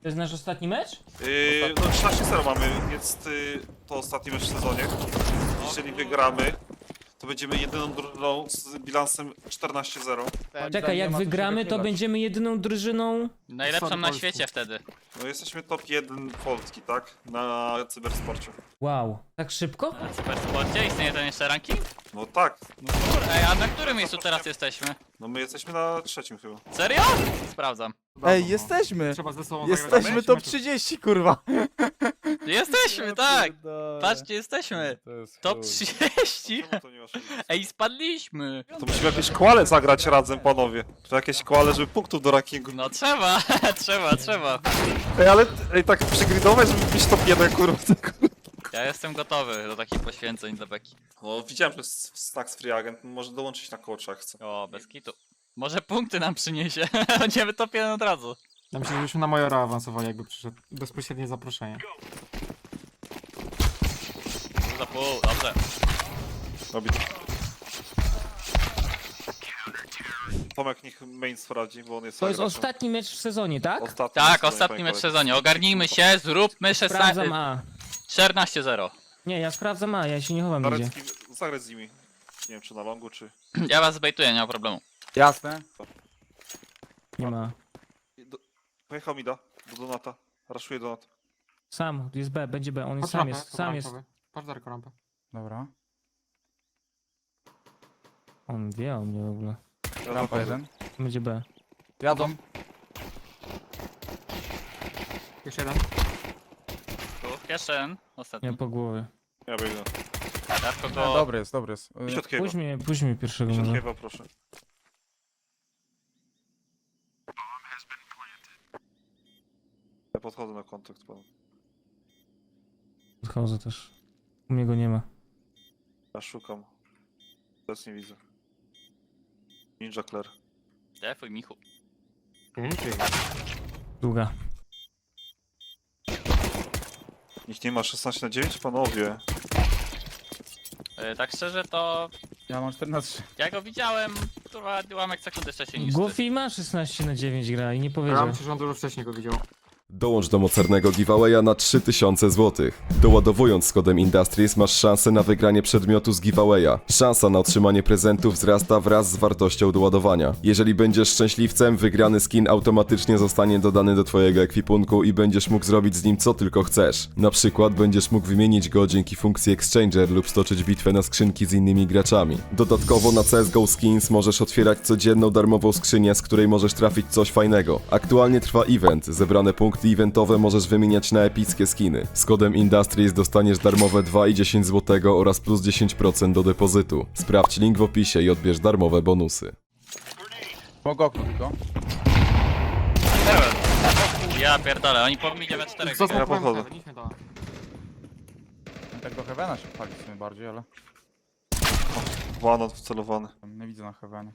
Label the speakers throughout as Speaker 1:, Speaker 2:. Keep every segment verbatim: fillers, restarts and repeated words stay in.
Speaker 1: To jest nasz ostatni mecz?
Speaker 2: Yy, no trzynaście zero mamy, więc yy, to ostatni mecz w sezonie. Jeżeli wygramy, to będziemy jedyną drużyną z bilansem czternaście zero.
Speaker 1: Czekaj, jak wygramy, to będziemy jedyną drużyną...
Speaker 3: Najlepszą na świecie wtedy.
Speaker 2: No jesteśmy top jeden Polski, tak? Na cybersporcie.
Speaker 1: Wow, tak szybko?
Speaker 3: Na Supersporcie istnieje ten jeszcze ranking?
Speaker 2: No tak,
Speaker 3: No kur... Ej, a na którym miejscu teraz jesteśmy?
Speaker 2: no my jesteśmy na trzecim chyba.
Speaker 3: Serio? Sprawdzam.
Speaker 4: Ej, jesteśmy!
Speaker 5: Trzeba ze sobą
Speaker 4: Jesteśmy
Speaker 5: zagrać
Speaker 4: top
Speaker 5: mecz.
Speaker 4: trzydzieści, kurwa!
Speaker 3: Jesteśmy, tak! Patrzcie, jesteśmy!
Speaker 4: To jest
Speaker 3: Top
Speaker 4: chuj.
Speaker 3: trzydzieści!
Speaker 2: Czemu to nie masz?
Speaker 3: Ej, spadliśmy!
Speaker 2: To musimy jakieś kwale zagrać razem, panowie. To jakieś kwale, żeby punktów do rankingu.
Speaker 3: No trzeba, trzeba, trzeba.
Speaker 2: Ej, ale ej, tak przegridować, żeby być top jeden, kurwa.
Speaker 3: Ja jestem gotowy do takich poświęceń dla Beki.
Speaker 2: No widziałem, że jest Stacks Free Agent, może dołączyć na coacha, jak chce.
Speaker 3: O, bez kitu. Może punkty nam przyniesie. Będziemy top jeden od razu.
Speaker 5: Ja myślę, że byśmy na Majora awansowali, jakby przyszedł bezpośrednie zaproszenie.
Speaker 3: Pół za pół, dobrze.
Speaker 2: Robi to. Tomek niech main sprawdzi, bo on jest...
Speaker 1: To jest
Speaker 2: graczem.
Speaker 1: ostatni mecz w sezonie, tak?
Speaker 2: Ostatni
Speaker 3: Tak,
Speaker 2: mecz,
Speaker 3: ostatni
Speaker 2: panie
Speaker 3: mecz w
Speaker 2: kolego.
Speaker 3: sezonie. Ogarnijmy się, zróbmy
Speaker 1: Sprawdzam A.
Speaker 3: czternaście zero.
Speaker 1: Nie, ja sprawdzam A, ja się nie chowam nigdzie.
Speaker 2: Zarecki, zagrać z nimi. Nie wiem, czy na longu, czy...
Speaker 3: Ja was zbejtuję, nie ma problemu.
Speaker 4: Jasne.
Speaker 1: Nie ma.
Speaker 2: Do... Pojechał mi da, do Donata. Raszuje Donat.
Speaker 1: Sam, jest B, będzie B, on jest,
Speaker 5: Patrz
Speaker 1: sam
Speaker 5: rampę,
Speaker 1: jest, sam jest.
Speaker 5: pomarańczowy. Patrz Darko rampę.
Speaker 4: Dobra.
Speaker 1: On wie o mnie w ogóle.
Speaker 2: Ja
Speaker 4: Rampa
Speaker 2: zachodzę.
Speaker 4: jeden.
Speaker 1: Będzie B.
Speaker 4: Jadą.
Speaker 5: Jeszcze jeden.
Speaker 3: Tu, jeszcze jeden, ostatni.
Speaker 1: Nie po głowie.
Speaker 2: Ja biegnę.
Speaker 3: Darko
Speaker 4: No,
Speaker 3: go...
Speaker 4: dobry jest, dobry jest.
Speaker 2: Idź
Speaker 4: Y,
Speaker 2: od Kiewa.
Speaker 1: Puść mnie, puść mnie pierwszego
Speaker 2: Idź od
Speaker 1: może.
Speaker 2: Kiewa, proszę. Ja podchodzę na kontakt panu.
Speaker 1: Odchodzę też. U mnie go nie ma.
Speaker 2: Ja szukam. Teraz nie widzę. Ninja Claire.
Speaker 3: Defuj, Michu.
Speaker 1: Długa.
Speaker 2: Nikt nie ma szesnaście na dziewięć, panowie.
Speaker 3: Yy, tak szczerze to...
Speaker 4: Ja mam czternaście.
Speaker 3: Ja go widziałem, kurwa, ułamek sekundy wcześniej niż ty.
Speaker 1: Goofy ma szesnaście na dziewięć gra i nie powiedział.
Speaker 5: Ja myślę, że on dużo wcześniej go widział.
Speaker 6: Dołącz do mocarnego giveawaya na trzy tysiące złotych. Doładowując z kodem Industries masz szansę na wygranie przedmiotu z giveawaya. Szansa na otrzymanie prezentów wzrasta wraz z wartością doładowania. Jeżeli będziesz szczęśliwcem, wygrany skin automatycznie zostanie dodany do twojego ekwipunku i będziesz mógł zrobić z nim co tylko chcesz. Na przykład będziesz mógł wymienić go dzięki funkcji Exchanger lub stoczyć bitwę na skrzynki z innymi graczami. Dodatkowo na C S G O Skins możesz otwierać codzienną darmową skrzynię, z której możesz trafić coś fajnego. Aktualnie trwa event, zebrane punkty eventowe możesz wymieniać na epickie skiny. Z kodem Industries dostaniesz darmowe dwa i dziesięć złotego oraz plus dziesięć procent do depozytu. Sprawdź link w opisie i odbierz darmowe bonusy.
Speaker 4: Mogę okno tylko.
Speaker 3: Ja pierdolę, oni po mnie we czterech.
Speaker 5: Co
Speaker 2: Ja podchodzę.
Speaker 5: Idźmy do...
Speaker 4: Tak do Heavena się pali w sumie bardziej, ale
Speaker 2: Wanot wcelowany.
Speaker 4: tam nie widzę na Heavenie.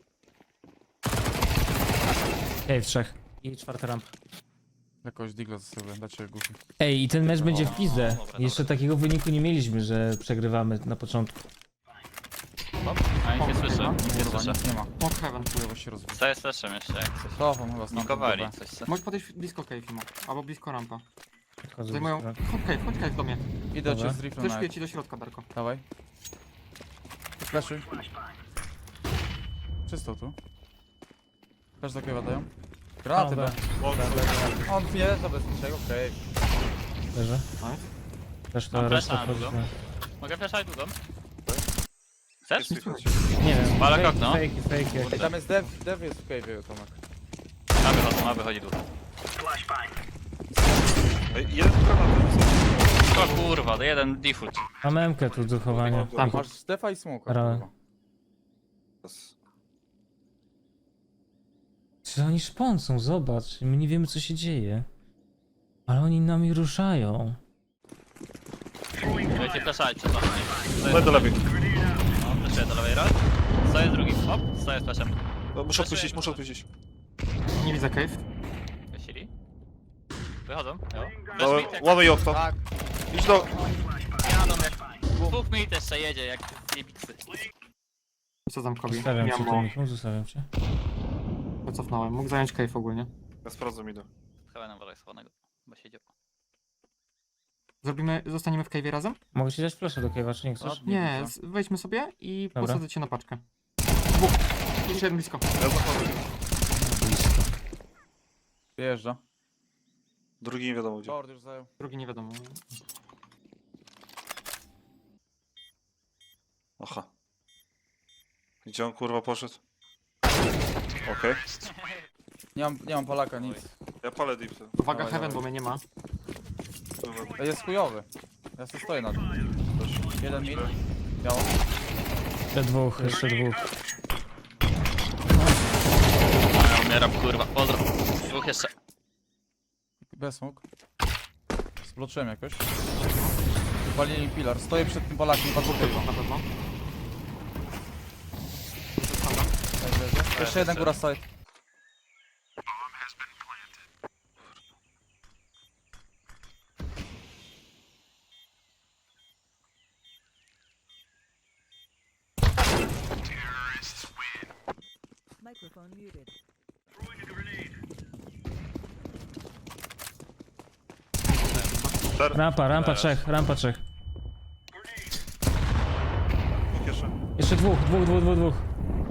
Speaker 1: Ej, w trzech. I czwarta rampa.
Speaker 4: Jakoś digla za sobie, dacie goofy.
Speaker 1: Ej, i ten mecz będzie w pizdę.
Speaker 3: dobra, dobra.
Speaker 1: Jeszcze takiego wyniku nie mieliśmy, że przegrywamy na początku.
Speaker 3: A nic nie słyszę, nic nie
Speaker 4: Kurwa,
Speaker 3: słyszę.
Speaker 4: nic nie ma.
Speaker 5: Smoke heaven.
Speaker 4: Chujowo się rozwija.
Speaker 3: Co jest fleszem jeszcze, jak coś.
Speaker 4: Cofam chyba stąd.
Speaker 3: Nikowali coś. co-
Speaker 5: Możesz podejść blisko cave, Fimo. Albo blisko rampa.
Speaker 1: Odchodzę
Speaker 5: Zajmują...
Speaker 1: do-
Speaker 5: Chodź cave, chodź cave do mnie.
Speaker 4: Idę
Speaker 1: Dobra.
Speaker 4: cię z riflem
Speaker 5: Też
Speaker 4: na...
Speaker 5: piję ci do środka, Darko.
Speaker 4: Dawaj. Flashuj. Czysto tu. Też do Kiewa dają. Granaty
Speaker 1: Dobra.
Speaker 4: B. On wie, to bez niczego, okej.
Speaker 1: Leżę.
Speaker 5: Nice.
Speaker 1: Też to
Speaker 3: Mam
Speaker 1: reszta
Speaker 3: flasha na
Speaker 1: wchodzi.
Speaker 3: długo. Mogę fleszać długą? Chcesz?
Speaker 1: Nie wiem.
Speaker 3: Palak
Speaker 1: fake,
Speaker 3: okno.
Speaker 1: fake, fake.
Speaker 4: Ej, tam jest dev, dev jest w cave'ie, Tomek.
Speaker 3: Ma wychodzi, ma wychodzi długo.
Speaker 2: Ej, jeden granat.
Speaker 3: O kurwa, to jeden default.
Speaker 1: Mam M-kę tu do chowania.
Speaker 5: Tam.
Speaker 4: Masz defa i smoka,
Speaker 1: Ra-
Speaker 4: kurwa.
Speaker 1: Czy oni szpącą? Zobacz. My nie wiemy, co się dzieje. Ale oni nami ruszają.
Speaker 3: Będziecie fleszać przed was.
Speaker 2: Będę lepiej.
Speaker 3: No, fleszuję do lewej raz. Stoję z drugim, hop, stoję z flashem.
Speaker 2: No, muszę odpuścić, muszę odpuścić.
Speaker 5: Nie widzę cave.
Speaker 3: Wysili. Wychodzą, jo.
Speaker 2: No,
Speaker 3: Flash mid jak...
Speaker 2: łamy i okno.
Speaker 4: Tak,
Speaker 2: Idź do...
Speaker 3: Jadą jak... Dwóch mid jeszcze jedzie, jak jebiksy.
Speaker 5: Co tam kobi?
Speaker 1: Zostawiam cię,
Speaker 5: Miałem
Speaker 1: tu,
Speaker 5: mało.
Speaker 1: Michał, zostawiam cię.
Speaker 5: Wycofnąłem. Mógł zająć cave ogólnie.
Speaker 2: Ja sprawdzę mi do.
Speaker 3: Chyba nam wolę schowanego. Bo się dzieło.
Speaker 5: Zrobimy, zostaniemy w cave'ie razem?
Speaker 1: Mogę ci dać flasza do Kejwa, czy nie chcesz?
Speaker 3: Ładnie,
Speaker 5: Nie,
Speaker 3: dużo.
Speaker 5: z- wejdźmy sobie i
Speaker 1: Dobra.
Speaker 5: posadzę cię na paczkę. Dwóch. Jeszcze jeden blisko.
Speaker 2: Ja zachodzę.
Speaker 4: Wyjeżdża.
Speaker 2: Drugi nie wiadomo gdzie.
Speaker 4: Short już zajął.
Speaker 5: Drugi nie wiadomo.
Speaker 2: Aha. Gdzie on kurwa poszedł? Okej.
Speaker 4: Nie mam, nie mam Polaka, nic.
Speaker 2: Ja palę deep ten.
Speaker 5: Uwaga,
Speaker 4: Dawaj,
Speaker 5: Heaven,
Speaker 4: dawaj.
Speaker 5: bo mnie nie ma.
Speaker 2: Kurwa.
Speaker 4: Ej, jest chujowy. Ja sobie stoję na tym. Jeden mid. Biało.
Speaker 1: Jeszcze dwóch, jeszcze dwóch.
Speaker 3: A, ja umieram, kurwa. Pozdro. Dwóch jeszcze.
Speaker 4: Bez smok. Zbloczyłem jakoś. Walili pilar. Stoję przed tym Polakiem. Dwa dwóch
Speaker 5: Tylko, na pewno.
Speaker 4: Jeszcze jeden góra side.
Speaker 7: Microphone muted.
Speaker 1: Rampa, rampa trzech, rampa trzech.
Speaker 2: Dwóch jeszcze.
Speaker 1: Jeszcze dwóch, dwóch, dwóch, dwóch, dwóch.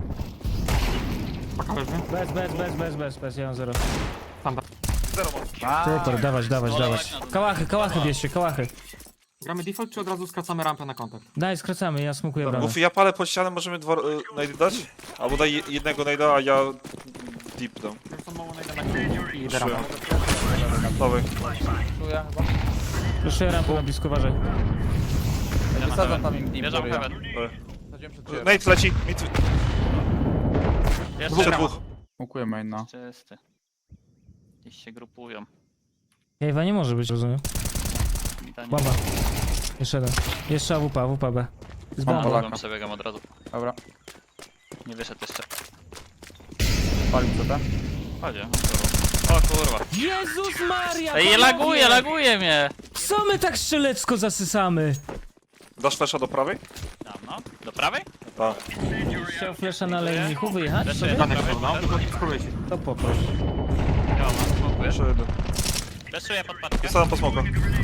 Speaker 5: Paka leży.
Speaker 1: Bez, bez, bez, bez, bez, bez, ja mam zero.
Speaker 2: Zero mam.
Speaker 1: Super, dawać, dawać, dawać. Kałachy, kałachy bierzcie, kałachy.
Speaker 5: Gramy default, czy od razu skracamy rampę na kontakt?
Speaker 1: Daj, skracamy, ja smukuję bramę.
Speaker 2: Mów, ja palę pod ścianę, możemy dwa y, najdy dać? Albo daj je- jednego najda, a ja deep dam.
Speaker 5: Już są mało najdę na chwilę i idę rampę.
Speaker 2: Dawaj.
Speaker 4: Czuję chyba.
Speaker 1: Proszę rampę na blisko, uważaj.
Speaker 4: Ej, wysadzam tam im deep
Speaker 3: Bierzam
Speaker 4: góry, ja.
Speaker 3: heaven.
Speaker 4: Wsadziłem przed ciebie.
Speaker 2: Nate leci. Mid.
Speaker 3: Jeszcze
Speaker 2: Jeszcze dwóch.
Speaker 4: Smokuję main, no.
Speaker 3: Czysty. Gdzieś się grupują.
Speaker 1: Kejwa nie może być, rozumiem.
Speaker 3: Witanie.
Speaker 1: Bomba. Jeszcze jeden. Jeszcze A W P, A W P B. Z
Speaker 4: Mam
Speaker 1: bomba.
Speaker 4: Polaka.
Speaker 3: Drugą przebiegam od razu.
Speaker 4: Dobra.
Speaker 3: Nie wyszedł jeszcze.
Speaker 4: Palił co, tak?
Speaker 3: Chodźcie. O kurwa.
Speaker 1: Jezus Maria!
Speaker 3: Ej,
Speaker 1: panowie!
Speaker 3: laguje, laguje mnie!
Speaker 1: Co my tak strzelecko zasysamy?
Speaker 2: Dasz flasha do prawej?
Speaker 3: Tam, no. Do prawej?
Speaker 2: Tak.
Speaker 1: Chciał flesza na lejniku wyjechać
Speaker 3: Jeszcze
Speaker 1: sobie?
Speaker 3: jeden.
Speaker 5: Danek są, no, tylko spróbuję się.
Speaker 1: To poproś.
Speaker 3: Ja mam, smokuję.
Speaker 2: Jeszcze jeden.
Speaker 3: Leszuję pod paczkę.
Speaker 2: Wysadzam po smoka.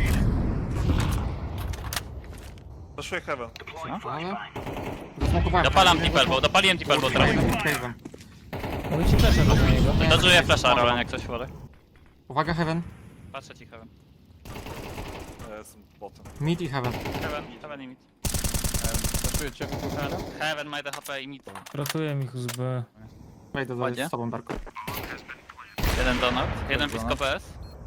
Speaker 2: Zaszuję heaven.
Speaker 5: Ale... Zasmokowałem.
Speaker 3: Dopalam deep elbow, dopaliłem deep elbow teraz.
Speaker 5: Jeden cave'em.
Speaker 1: Mogę ci flesza dać na niego.
Speaker 3: Dodżuję flasha, Roland, jak coś wolę.
Speaker 5: Uwaga, Heaven.
Speaker 3: Patrzę ci heaven.
Speaker 2: Ja jestem botem.
Speaker 5: Mid i Heaven.
Speaker 3: Heaven, heaven i mid.
Speaker 4: Zaszuję cię.
Speaker 3: Heaven, heaven, ma jeden H P i mid.
Speaker 1: Ratuję mi z B.
Speaker 5: Wejdę
Speaker 3: Ładnie.
Speaker 5: z tobą, Darko.
Speaker 3: Jeden donut, jeden blisko P S.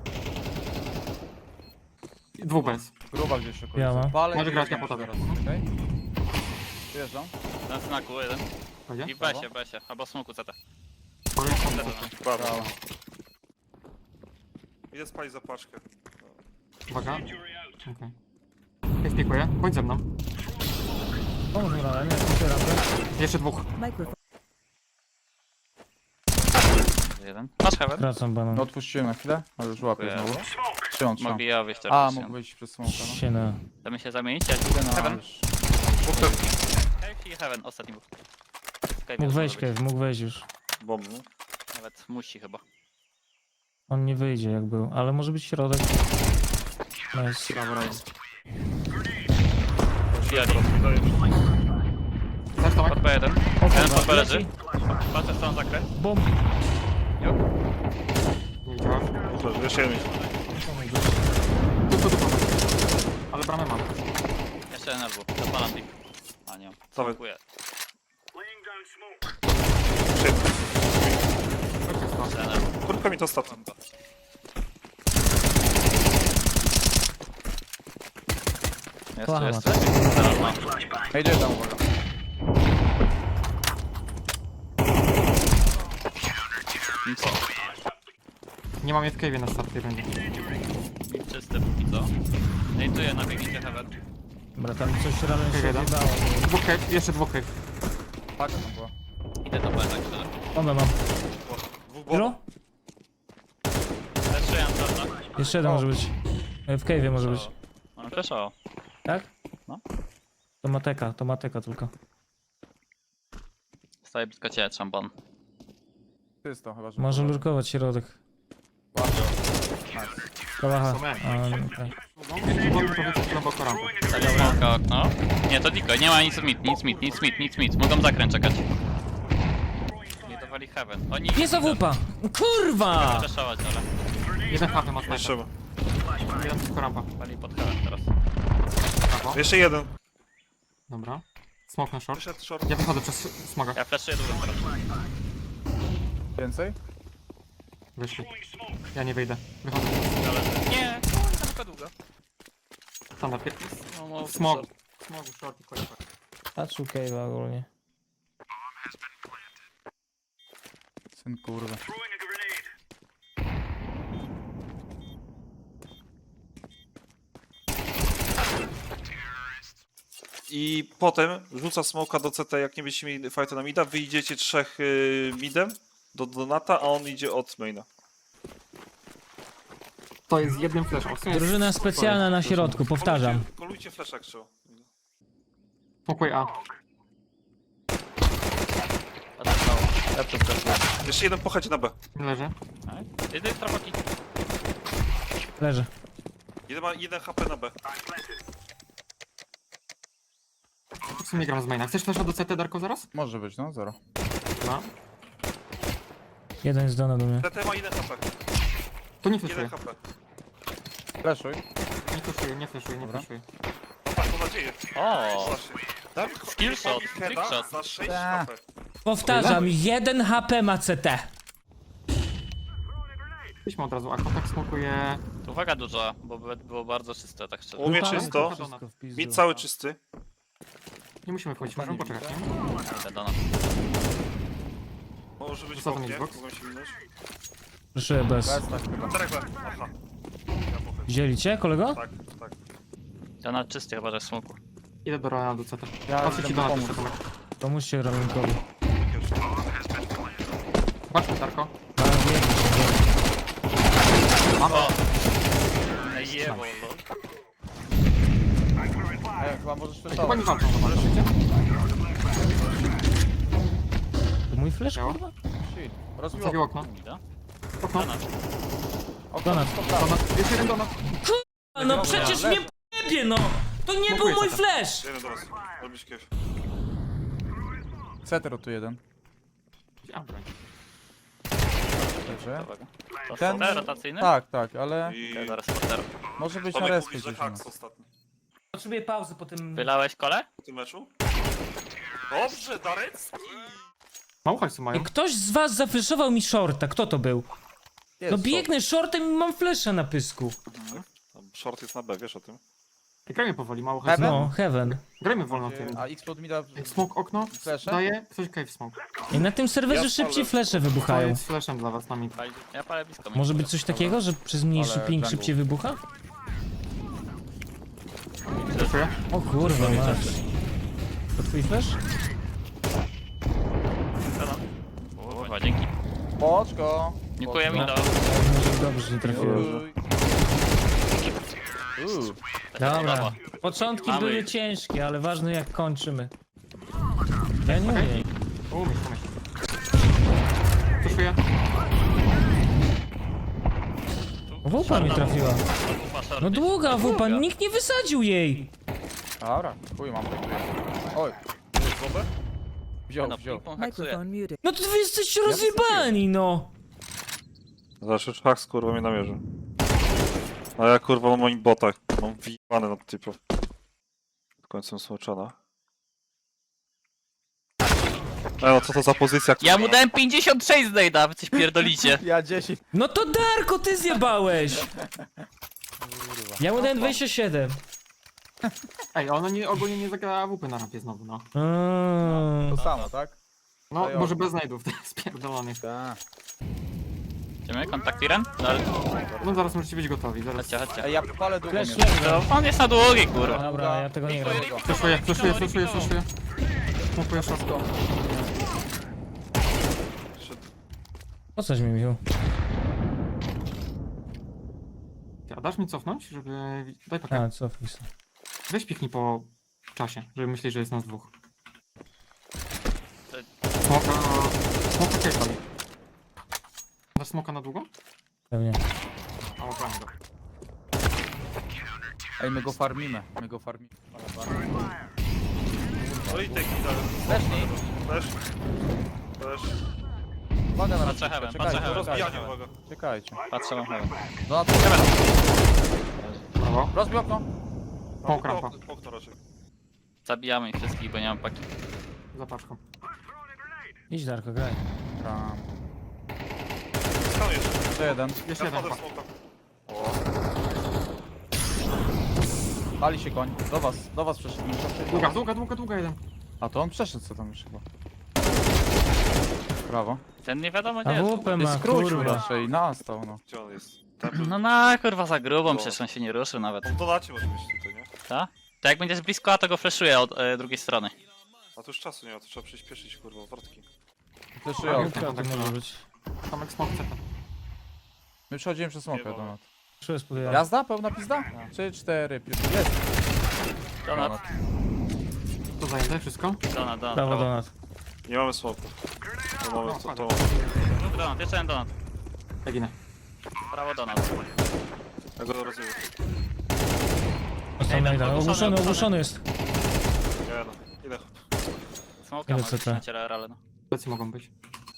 Speaker 5: Dwóch bez.
Speaker 4: Gruba gdzieś okolicy.
Speaker 1: Ja mam.
Speaker 4: Palę
Speaker 5: Może
Speaker 4: i
Speaker 5: grać
Speaker 4: wjeżdżam
Speaker 5: na potem.
Speaker 4: teraz, okej? Wyjeżdżam.
Speaker 3: Na znaku jeden.
Speaker 5: Będzie?
Speaker 3: I w besie, w besie. Albo smoku C T.
Speaker 2: Prawo. Idę spalić za paczkę.
Speaker 5: Uwaga. Okej. Okay. Spikuję. Bądź ze mną.
Speaker 1: Pomóż mi Roland, nie smukuję rampę.
Speaker 5: Jeszcze dwóch.
Speaker 7: Microphone.
Speaker 3: Jeden. Masz heaven?
Speaker 1: Wracam banan.
Speaker 4: No odpuściłem na chwilę, ale już łapię
Speaker 3: Dziękuję.
Speaker 4: znowu. Trzymam, trzymam.
Speaker 3: Mogli ja wyjść
Speaker 4: A,
Speaker 3: teraz.
Speaker 4: mógł wyjść przez smoka, no.
Speaker 1: Siena.
Speaker 3: Chcemy się zamienić? Ja
Speaker 4: Idę na...
Speaker 3: Heaven.
Speaker 4: już.
Speaker 3: Cave i heaven, ostatni był. Cave
Speaker 1: Mógł
Speaker 3: już
Speaker 1: wejść,
Speaker 3: może być.
Speaker 1: Kev, mógł wejść już.
Speaker 2: Bomb, no.
Speaker 3: Nawet musi chyba.
Speaker 1: On nie wyjdzie jak był, ale może być środek. Nice.
Speaker 5: Brawo, Ryan.
Speaker 3: Wbijali.
Speaker 5: Też Tomek?
Speaker 3: Pod B jeden.
Speaker 1: O
Speaker 3: Jeden
Speaker 1: kurwa,
Speaker 3: pod B leży.
Speaker 1: leci.
Speaker 3: Patrzę stronę zakrę.
Speaker 1: Bomb.
Speaker 5: Nie widziałem.
Speaker 2: Dobrze, jeszcze jeden.
Speaker 5: Tylko, tylko. Ale bramę mam.
Speaker 3: Jeszcze jeden albo. Zapalam pik. A nie.
Speaker 2: Dawaj.
Speaker 3: Dziękuję. Jeszcze jeden albo.
Speaker 2: Kurka mi to ostatnio.
Speaker 3: Jest tu,
Speaker 1: Kocham
Speaker 3: jest
Speaker 1: was.
Speaker 3: tu. Zaraz mam.
Speaker 4: Ej, idę tam, uwaga.
Speaker 3: Nic. co?
Speaker 5: Nie mam je w cave'ie na starcie będzie.
Speaker 3: Nic czysty póki co. Nejtuję na biegnijcie heaven.
Speaker 1: Dobra, tam coś rano się
Speaker 5: Jeden.
Speaker 1: odjebało.
Speaker 5: Dwóch cave, jeszcze dwóch cave.
Speaker 4: Paka tam była.
Speaker 3: Idę do B tak szczerze.
Speaker 1: Bombę mam.
Speaker 2: Dwóch
Speaker 1: Zero?
Speaker 2: bomb.
Speaker 3: Leszuję Antarna.
Speaker 1: Jeszcze jeden może być. E, W cave'ie może być.
Speaker 3: Mam flesza.
Speaker 1: Tak?
Speaker 3: No.
Speaker 1: To mateka, to mateka tylko.
Speaker 3: Staję blisko ciebie, szampan.
Speaker 4: Czysto chyba, że...
Speaker 1: Może lurkować środek.
Speaker 4: Ładnie. Nice.
Speaker 1: Kałacha.
Speaker 5: Są jak.
Speaker 1: A, no tak.
Speaker 5: Jeśli wolno, to wycofać głęboko rampę.
Speaker 3: Smoka okno. Nie, to Diko, nie ma nic mit, nic mit, nic mit, nic mit. Mogą zakręt czekać. Nie dawali heaven. Oni...
Speaker 1: Jest awupa! Kurwa!
Speaker 3: Przeszować, ale...
Speaker 5: Jeden hafy ma
Speaker 2: Jeszcze,
Speaker 5: snajper. Jeden tylko rampa.
Speaker 3: Pali pod heaven teraz.
Speaker 5: Brawo.
Speaker 2: jeszcze jeden.
Speaker 5: Dobra. Smoke na short.
Speaker 2: Wyszedł short.
Speaker 5: Ja wychodzę przez smoga.
Speaker 3: Ja flashuję dużo teraz.
Speaker 4: Więcej?
Speaker 5: Wyszli. Ja nie wyjdę. Wychodzę.
Speaker 3: Ale... Nie, kurwa, tylko długo.
Speaker 5: Tam na pier...
Speaker 3: No, no,
Speaker 5: Smog. Smogu short i koniec.
Speaker 1: Patrzył Cave'a ogólnie.
Speaker 4: Syn kurwa.
Speaker 2: I potem rzuca smoka do C T, jak nie będziecie mieli fighta na mida, wyjdziecie trzech y, midem do Donata, a on idzie od maina.
Speaker 5: To jest jednym flashem. W sumie jest-
Speaker 1: Drużyna specjalna na środku, powtarzam.
Speaker 2: Kolujcie, kolujcie flash jak trzeba.
Speaker 5: Smokuj A.
Speaker 3: Ja przeskoczyłem.
Speaker 2: Jeszcze jeden pochodzi na B.
Speaker 5: Leży.
Speaker 3: Jedyny trafaki.
Speaker 1: Leży.
Speaker 2: Jeden ma jeden H P na B.
Speaker 5: W sumie gram z maina. Chcesz flasha do C T, Darko, zaraz?
Speaker 4: Może być, no zero.
Speaker 5: Dwa.
Speaker 1: Jeden jest dona do mnie.
Speaker 2: C T ma jeden H P.
Speaker 5: To nie
Speaker 2: Jeden
Speaker 5: flashuję.
Speaker 2: H P.
Speaker 4: Flashuj.
Speaker 5: Nie flashuję, nie flashuję, nie
Speaker 4: Dobra.
Speaker 5: flashuję.
Speaker 2: Tak, mam nadzieję.
Speaker 3: O,
Speaker 2: Właśnie. Tak?
Speaker 3: Skillshot,
Speaker 2: Heada
Speaker 3: trickshot.
Speaker 2: za sześć
Speaker 4: Ta.
Speaker 2: H P.
Speaker 1: Powtarzam, jeden H P ma C T.
Speaker 5: Idźmy od razu, a kontakt smokuje...
Speaker 3: uwaga duża, bo by- było bardzo czyste, tak szczerze.
Speaker 2: U mnie
Speaker 1: Wypalę
Speaker 2: czysto.
Speaker 1: wszystko w pizdu.
Speaker 2: Mid cały czysty.
Speaker 5: Nie musimy wchodzić, możemy poczekać, nie?
Speaker 3: Idę do nas.
Speaker 2: Może być
Speaker 5: Wysadzam
Speaker 2: oknie.
Speaker 5: Xbox.
Speaker 2: Mogłem się minąć.
Speaker 1: Proszę bez.
Speaker 4: Bez tak chyba.
Speaker 2: Czterech B. Aha. Ja pochylę.
Speaker 1: Wzięli cię, kolego?
Speaker 2: Tak, tak.
Speaker 3: Do nas czysty chyba, że w smoku.
Speaker 5: Idę do Ronaldo C T.
Speaker 4: Ja
Speaker 5: Patrzę
Speaker 4: idę
Speaker 5: ci do
Speaker 4: mu
Speaker 5: nas
Speaker 4: pomóc.
Speaker 5: jeszcze, Tomek.
Speaker 1: Pomóżcie Raminkowi.
Speaker 5: Patrzmy, Darko.
Speaker 1: A, wiem,
Speaker 5: Mam.
Speaker 3: Ej, jebo, lol.
Speaker 4: Ej, chyba możesz
Speaker 5: Chyba
Speaker 4: flashować.
Speaker 5: nie walczą, zobaczycie?
Speaker 1: to mój flash,
Speaker 5: Działa?
Speaker 1: kurwa?
Speaker 4: Shit. Rozbił
Speaker 5: Zabił
Speaker 4: okno.
Speaker 5: okno.
Speaker 3: Mida?
Speaker 5: Okno.
Speaker 3: Do nas.
Speaker 4: Okno
Speaker 1: Donat.
Speaker 4: jest
Speaker 5: Do nas. Jest jeden do nas.
Speaker 1: A, no przecież mnie pojebie, no! To nie był
Speaker 5: Smokuję
Speaker 1: mój
Speaker 5: C T.
Speaker 1: flash!
Speaker 2: Jeden do was. Robisz kiew.
Speaker 4: Cetero tu jeden.
Speaker 5: A, broń.
Speaker 4: Dobrze.
Speaker 3: Uwaga. To
Speaker 4: Ten-
Speaker 3: Ten... rotacyjny?
Speaker 4: Tak, tak, ale
Speaker 2: I
Speaker 3: Ja zaraz porter.
Speaker 4: może być na
Speaker 2: Tomek
Speaker 4: respie
Speaker 2: mówi, że
Speaker 4: gdzieś. u nas.
Speaker 2: haks ostatni.
Speaker 1: Potrzebuję pauzy po tym...
Speaker 3: Wylałeś kole?
Speaker 2: W tym meczu? Dobrze, Darecki!
Speaker 5: Mało hajsu mają.
Speaker 1: Ktoś z was zafleszował mi shorta, kto to był?
Speaker 4: Jest,
Speaker 1: No
Speaker 4: short.
Speaker 1: biegnę shortem i mam flesza na pysku.
Speaker 2: Tam short jest na B, wiesz o tym?
Speaker 5: Grajmy powoli, mało hajsu.
Speaker 4: Heaven?
Speaker 1: No, heaven.
Speaker 5: Grajmy wolno tym.
Speaker 4: A X-Plot mi da...
Speaker 5: Smoke okno.
Speaker 4: Flesze?
Speaker 5: Daje. Ktoś cave smoke.
Speaker 1: I na tym serwerze
Speaker 2: Ja
Speaker 1: szybciej
Speaker 2: spalę.
Speaker 1: flesze
Speaker 5: To
Speaker 1: wybuchają.
Speaker 5: jest flashem dla was na mid.
Speaker 3: Pali- Ja palę blisko.
Speaker 1: Może być coś takiego, że przez mniejszy
Speaker 4: Ale
Speaker 1: ping
Speaker 4: jungle.
Speaker 1: szybciej wybucha?
Speaker 5: Flashuję.
Speaker 1: O kurwa, masz. To twój flash?
Speaker 3: Kurwa, dzięki.
Speaker 4: Poczko.
Speaker 3: Dziękuję mi do...
Speaker 1: Może dobrze, że nie trafiłem.
Speaker 4: Uj. Uuu.
Speaker 1: Dobra. Początki
Speaker 3: Mamy.
Speaker 1: były ciężkie, ale ważne jak kończymy. Ja nie umiem.
Speaker 5: Umiesz, umiesz. Flashuję.
Speaker 1: Wupa mi trafiła. No długa wupa,
Speaker 3: Długa.
Speaker 1: nikt nie wysadził jej.
Speaker 4: Dobra, chuj mam. Oj. Wziął,
Speaker 3: No,
Speaker 4: wziął.
Speaker 3: ping-pong haksuje.
Speaker 7: Microphone muted.
Speaker 1: No to wy jesteście rozjebani, no.
Speaker 2: Zawsze haks kurwa mnie namierzy. A ja kurwa mam moim botach. Mam wyjebane na typów. W końcu smoczona. E no co to za pozycja kurwa?
Speaker 3: Ja mu dałem pięćdziesiąt sześć z Nejda, wy coś pierdolicie.
Speaker 4: Ja dziesięć.
Speaker 1: No to Darko, ty zjebałeś. Ja mu dałem dwadzieścia siedem.
Speaker 5: Ej, ona nie, ogólnie nie zagrała A W P na rampie znowu, no.
Speaker 1: Mm.
Speaker 4: To samo, tak?
Speaker 5: No,
Speaker 4: Dają.
Speaker 5: może bez znajdów, to jest pierdolonych.
Speaker 4: Tak.
Speaker 3: Idziemy? Kontakt Iren? No, ale...
Speaker 5: No zaraz możecie być gotowi, zaraz.
Speaker 3: Chodźcie, chodźcie.
Speaker 4: Ej, ja palę długo.
Speaker 1: Flash,
Speaker 4: mnie.
Speaker 1: flash.
Speaker 3: To on jest na długie, kurwa.
Speaker 1: Dobra, ja tego nie gram.
Speaker 5: Flashuję, flashuję, flashuję, flashuję. Smokuję short.
Speaker 1: Po coś mi Michu?
Speaker 5: A dasz mi cofnąć, żeby... Daj pakę.
Speaker 1: A, cofnij się.
Speaker 5: Weź piknij po czasie, żeby myśleć, że jest nas dwóch. Smoka... Smoka cave. Dasz smoka na długo?
Speaker 1: Pewnie.
Speaker 5: A, obrałem go.
Speaker 4: Ej, my go farmimy, my go farmimy.
Speaker 2: No i teki, tak.
Speaker 4: Lecznij.
Speaker 2: Też. Też.
Speaker 4: Uwaga na
Speaker 3: Patrzę
Speaker 4: rozbijkę,
Speaker 3: heaven,
Speaker 4: czekajcie,
Speaker 3: patrzę heaven.
Speaker 4: czekajcie.
Speaker 2: Rozbijanie, uwaga.
Speaker 4: Czekajcie.
Speaker 3: Patrzę na heaven.
Speaker 4: No na to
Speaker 5: Brawo.
Speaker 4: rozbij okno.
Speaker 5: Smoke rampa.
Speaker 2: Ok- Okno raczej.
Speaker 3: Zabijamy ich wszystkich, bo nie mam paki.
Speaker 5: Za paczką.
Speaker 1: Idź Darko, graj.
Speaker 4: Tam.
Speaker 2: Stan jeszcze.
Speaker 4: Jeszcze jeden.
Speaker 5: Jeszcze
Speaker 2: Ja
Speaker 5: jeden
Speaker 2: wchodzę w
Speaker 5: chyba.
Speaker 2: smoka. O,
Speaker 4: Pali się koń. Do was, do was przeszedł.
Speaker 5: Długa, długa, długa, długa jeden.
Speaker 4: A to on przeszedł co tam już chyba. Brawo.
Speaker 3: Ten nie wiadomo gdzie
Speaker 1: A
Speaker 3: jest.
Speaker 1: W P
Speaker 4: Ty
Speaker 1: ma,
Speaker 4: skrócił
Speaker 1: kurwa.
Speaker 4: raczej, nastał no.
Speaker 2: gdzie on jest? Tam,
Speaker 3: No na kurwa za grubą, przecież on się nie ruszył nawet.
Speaker 2: on w donacie może być tutaj, nie?
Speaker 3: Ta? To jak będziesz blisko, a to go flashuję od e, drugiej strony.
Speaker 2: A tu już czasu nie ma, to trzeba przyspieszyć, kurwa, wrotki.
Speaker 4: Fleszuję
Speaker 5: Okno.
Speaker 4: okno.
Speaker 1: Głupio to może być.
Speaker 5: Tomek smoke C T.
Speaker 4: My przechodzimy przez smokę
Speaker 2: Nie
Speaker 4: do nas.
Speaker 1: Czuję spodobać.
Speaker 4: Jazda? Pełna pizda? Trzy, cztery, pięć. Jest.
Speaker 3: Donat,
Speaker 5: To zajęte wszystko?
Speaker 3: donat, donat.
Speaker 1: Prawo do nas.
Speaker 2: Nie mamy smoków. No mamy to, to...
Speaker 3: Drugi donat, jeszcze jeden donat.
Speaker 5: Ja ginę.
Speaker 3: Prawo donat.
Speaker 2: Ja go rozumiem.
Speaker 1: Ostatni jeden.
Speaker 3: ogłuszony,
Speaker 1: Ogłuszony,
Speaker 3: ogłuszony.
Speaker 1: ogłuszony jest.
Speaker 2: Nie no, ile hop.
Speaker 3: Smoka
Speaker 1: Ile
Speaker 3: ma
Speaker 1: C T?
Speaker 3: już na ale no.
Speaker 5: Plecy mogą być.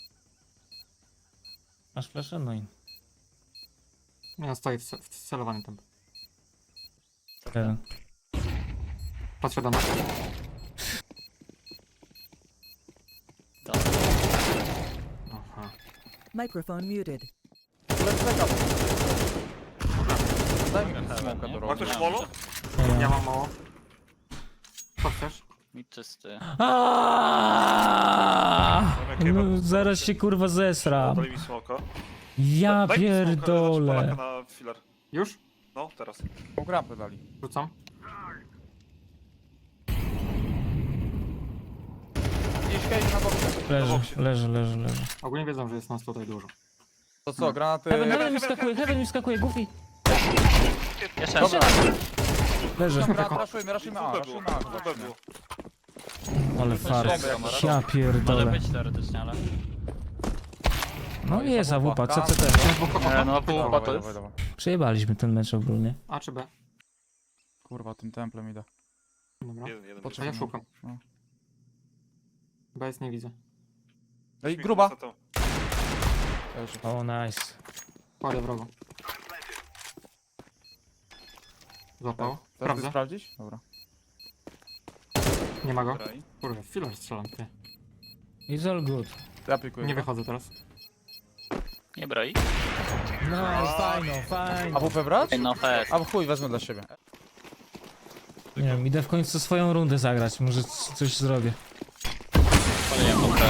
Speaker 1: Masz flaszę? No i
Speaker 5: Nie no, stoi w, ce- w celowanym tam.
Speaker 1: jeden.
Speaker 5: Patrzę do nas. Aha.
Speaker 7: Microphone muted.
Speaker 4: Daj mi
Speaker 3: Heaven,
Speaker 4: smoka
Speaker 3: nie?
Speaker 4: do
Speaker 2: Ma
Speaker 4: rogu.
Speaker 2: ktoś molo?
Speaker 1: Nie
Speaker 5: Ja
Speaker 1: ma.
Speaker 5: mam mało. Co chcesz?
Speaker 3: Mid czysty.
Speaker 1: Aaaa! No, zaraz się kurwa zesram.
Speaker 2: Daj mi smoka.
Speaker 1: Ja
Speaker 2: Daj mi smoka, dać
Speaker 1: pierdolę.
Speaker 2: Polaka na filar.
Speaker 5: Już?
Speaker 2: No, teraz.
Speaker 4: Pół grampy dali.
Speaker 5: Rzucam.
Speaker 4: Gdzieś cave na boksie.
Speaker 1: Leży, leży, leży, leży.
Speaker 5: Ogólnie wiedzą, że jest nas tutaj dużo.
Speaker 4: To co, granaty...
Speaker 1: Heaven, heaven mi skakuje, heaven mi skakuje, goofy.
Speaker 3: Jeszcze
Speaker 4: Dobra,
Speaker 1: Leży.
Speaker 4: dobra, raszujmy, raszujmy A,
Speaker 2: W B było,
Speaker 4: raszujmy A.
Speaker 2: w B było.
Speaker 1: Ale farsz. Ja
Speaker 3: Może
Speaker 1: pierdolę.
Speaker 3: być teoretycznie, ale...
Speaker 1: No jest A W P, C C T.
Speaker 3: E, no pół
Speaker 4: Dawaj,
Speaker 3: to jest.
Speaker 4: dawaj, dawaj.
Speaker 1: Przejebaliśmy ten mecz ogólnie.
Speaker 5: A czy B?
Speaker 4: Kurwa, tym templem idę.
Speaker 5: Dobra.
Speaker 2: Jeden, jeden.
Speaker 5: A
Speaker 4: Poczekaj.
Speaker 5: ja szukam.
Speaker 4: No.
Speaker 5: B jest nie widzę.
Speaker 4: Ej, gruba!
Speaker 2: Co to?
Speaker 4: Leży.
Speaker 1: O, nice.
Speaker 5: Kładę wrogo. Złapał.
Speaker 4: Chcesz ty
Speaker 5: Sprawdzę.
Speaker 4: sprawdzić? Dobra.
Speaker 5: Nie ma go.
Speaker 3: Graj.
Speaker 5: Kurwa, filar strzelam, ty.
Speaker 1: It's all good.
Speaker 4: Ja pikuję.
Speaker 5: Nie
Speaker 4: go.
Speaker 5: wychodzę teraz.
Speaker 3: Nie broi.
Speaker 1: No, fajno, fajno.
Speaker 4: A W P brać?
Speaker 3: Ej, no fest.
Speaker 4: A w chuj, wezmę dla siebie.
Speaker 1: Nie wiem, idę w końcu swoją rundę zagrać, może c- coś zrobię.
Speaker 3: Paliłem okno.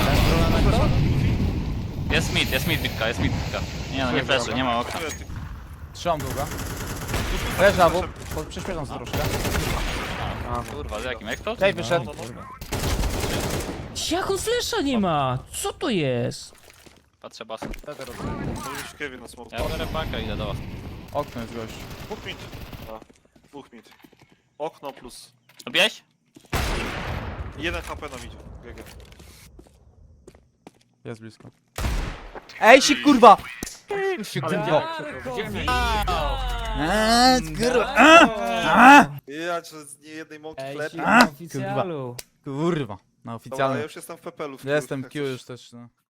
Speaker 3: Jest mid, jest mid bitka, jest mid bitka. Nie no, nie fleszy, nie ma okna.
Speaker 4: Trzymam długa. Leży A W. Po- Przyspieszam sobie troszkę.
Speaker 3: Kurwa, z jakim eksploat?
Speaker 4: Cave wyszedł.
Speaker 1: Jak on flesza nie ma? Co to jest?
Speaker 3: Patrzę basen.
Speaker 4: Wtedy rozumiem.
Speaker 2: Może być Kevin na smoku.
Speaker 3: Ja biorę pakę i idę do was.
Speaker 4: Okno jest gość.
Speaker 2: Dwóch mid. A, dwóch mid. Okno plus.
Speaker 3: Lubiłeś?
Speaker 2: Jeden H P na midzie. G G.
Speaker 4: Jest blisko. Ej, si kurwa! Eee, kurwa!
Speaker 2: Ja czy z niejednej mąki
Speaker 1: Ej,
Speaker 2: chleb.
Speaker 1: na oficjalu.
Speaker 4: Kurwa. Na
Speaker 2: Dobra, ja
Speaker 4: oficjalnym.
Speaker 2: już jestem w pepelu. w
Speaker 4: Jestem
Speaker 2: jak
Speaker 4: Q
Speaker 2: coś.
Speaker 4: już też, no.